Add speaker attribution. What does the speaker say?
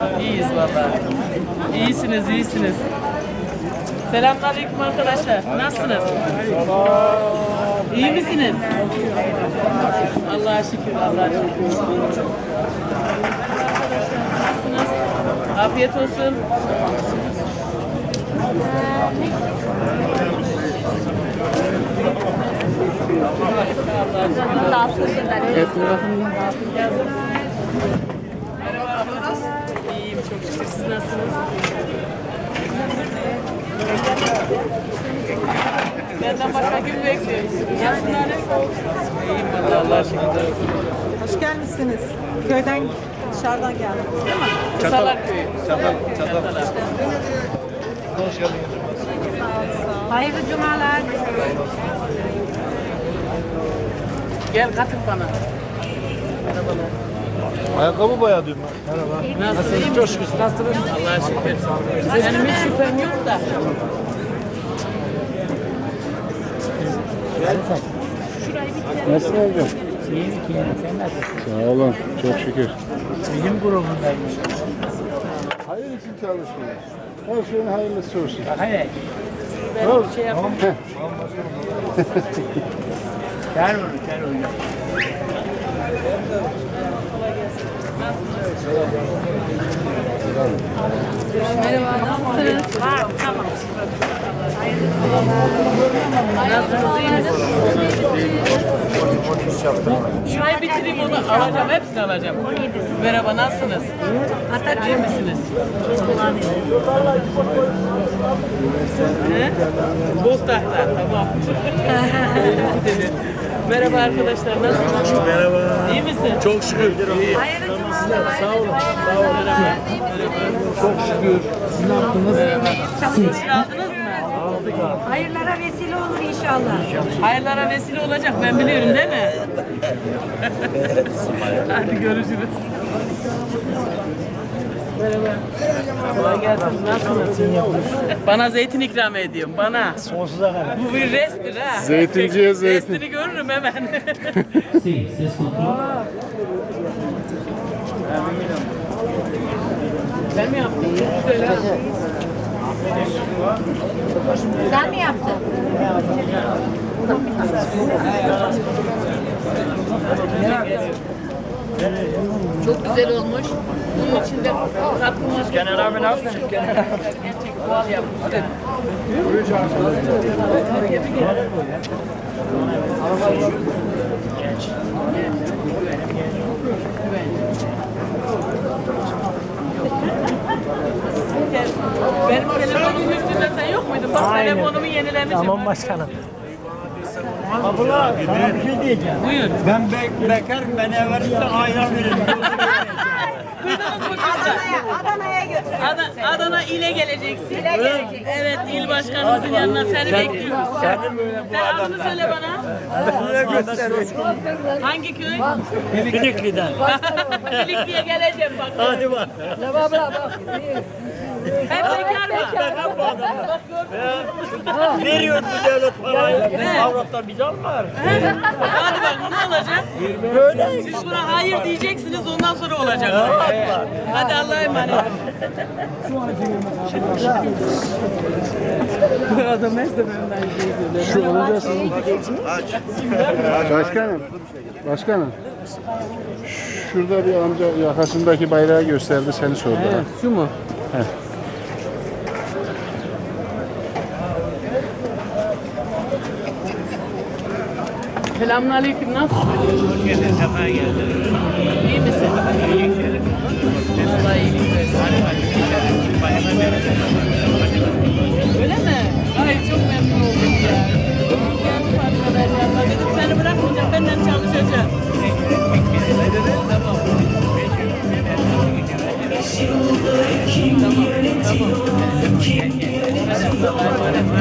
Speaker 1: İyiyiz vallahi. İyisiniz, iyisiniz. Selamünaleyküm arkadaşlar. Nasılsınız? İyi misiniz? Allah'a şükür, Allah'a şükür. Nasılsınız? Afiyet olsun. İyiyim çok şükür. Siz nasılsınız? Benden başka gün bekliyoruz. Nasılsınız? İyiyim vallahi Allah'a şükür.
Speaker 2: Hoş gelmişsiniz. Köyden dışarıdan geldik değil mi?
Speaker 1: Kısalar köyü.
Speaker 3: Çatal. Hoş geldin.
Speaker 2: Hayırlı cumalar.
Speaker 1: Gel katıl bana. Merhabalar.
Speaker 3: Ayakkabı bayağı diyorum. Merhaba.
Speaker 1: Nasılsınız?
Speaker 3: Çok şükür. Nasılsınız?
Speaker 1: Allah'a şükür. Benim hiç şüphem yok da.
Speaker 4: Nasılsın hocam?
Speaker 5: Sen nasılsın?
Speaker 4: Sağ olun, çok şükür.
Speaker 5: Bizim grubundaymış.
Speaker 4: Hayır için çalışıyoruz. Her şeyin hayırlısı olsun.
Speaker 5: Hayır.
Speaker 1: Ben bir şey yapayım.
Speaker 5: Gel onu, gel onu.
Speaker 1: Merhaba, nasılsınız? Var, tamam. Nasılsınız, iyi misiniz? Şurayı bitireyim, onu alacağım, hepsini alacağım. Merhaba, nasılsınız? İyi misiniz? He? Boztak'ta, tamam. Merhaba arkadaşlar, nasılsınız?
Speaker 3: Merhaba.
Speaker 1: İyi misin?
Speaker 3: Çok şükür. İyi.
Speaker 1: Sağ olun. Sağ olun.
Speaker 3: Çok şükür.
Speaker 5: Siz ne yaptınız?
Speaker 1: Aldınız mı?
Speaker 2: Hayırlara vesile olur inşallah.
Speaker 1: Hayırlara vesile olacak, ben biliyorum değil mi? Hadi görüşürüz. Merhaba. Kolay gelsin. Nasılsınız? Bana zeytin ikram ediyorum, bana.
Speaker 5: Sonsuza kadar.
Speaker 1: Bu bir resttir ha.
Speaker 4: Zeytinciye zeytin.
Speaker 1: Restini görürüm hemen.
Speaker 5: Ses kontrol.
Speaker 1: Sen mi yaptın? Çok güzel ha.
Speaker 2: Sen mi yaptın?
Speaker 1: Çok güzel olmuş. Bunun içinde katılmış.
Speaker 5: Kenan abi ne yaptın?
Speaker 1: Gerçek doğal yapmışlar. Benim telefonumun üstünde sen yok muydun? Bak telefonumu yenilemişim.
Speaker 5: Tamam başkanım. Abla sana bir şey diyeceğim.
Speaker 1: Buyur.
Speaker 5: Ben bekarım, beni eversin ayran verin.
Speaker 1: Duydunuz mu kızlar?
Speaker 2: Adana'ya götür.
Speaker 1: Adana ile geleceksin. Evet, il başkanımızın yanına seni bekliyoruz.
Speaker 5: Senin böyle bu
Speaker 1: Sen adını söyle bana.
Speaker 5: adamı gösteriyor.
Speaker 1: Hangi köy?
Speaker 5: Filikli'den.
Speaker 1: Filikli'ye geleceğim bak.
Speaker 5: Hadi bak.
Speaker 1: Hep bekar mı?
Speaker 5: Bekar bu adamlar. Veriyor bu devlet parayı. Avrat'tan bizi almıyor.
Speaker 1: Hadi bak ne olacak?
Speaker 5: Böyle.
Speaker 1: Siz buna hayır diyeceksiniz, ondan sonra olacak. Hadi Allah'a emanet. Adam neyse benden
Speaker 4: Şu olacaksın. Başkanım. Şurada bir amca yakasındaki bayrağı gösterdi, seni sordu.
Speaker 1: Evet, şu mu?
Speaker 4: Heh.
Speaker 1: Selamünaleyküm, nasılsın?
Speaker 5: Hoş geldin, sefa geldin.
Speaker 1: İyi misin? Vallahi iyilik versin. Öyle mi? Ay çok memnun oldum ya. Geldim arkadaşlar. Dedim seni bırakmayacağım, benden çalışacağım. Tamam. Tamam.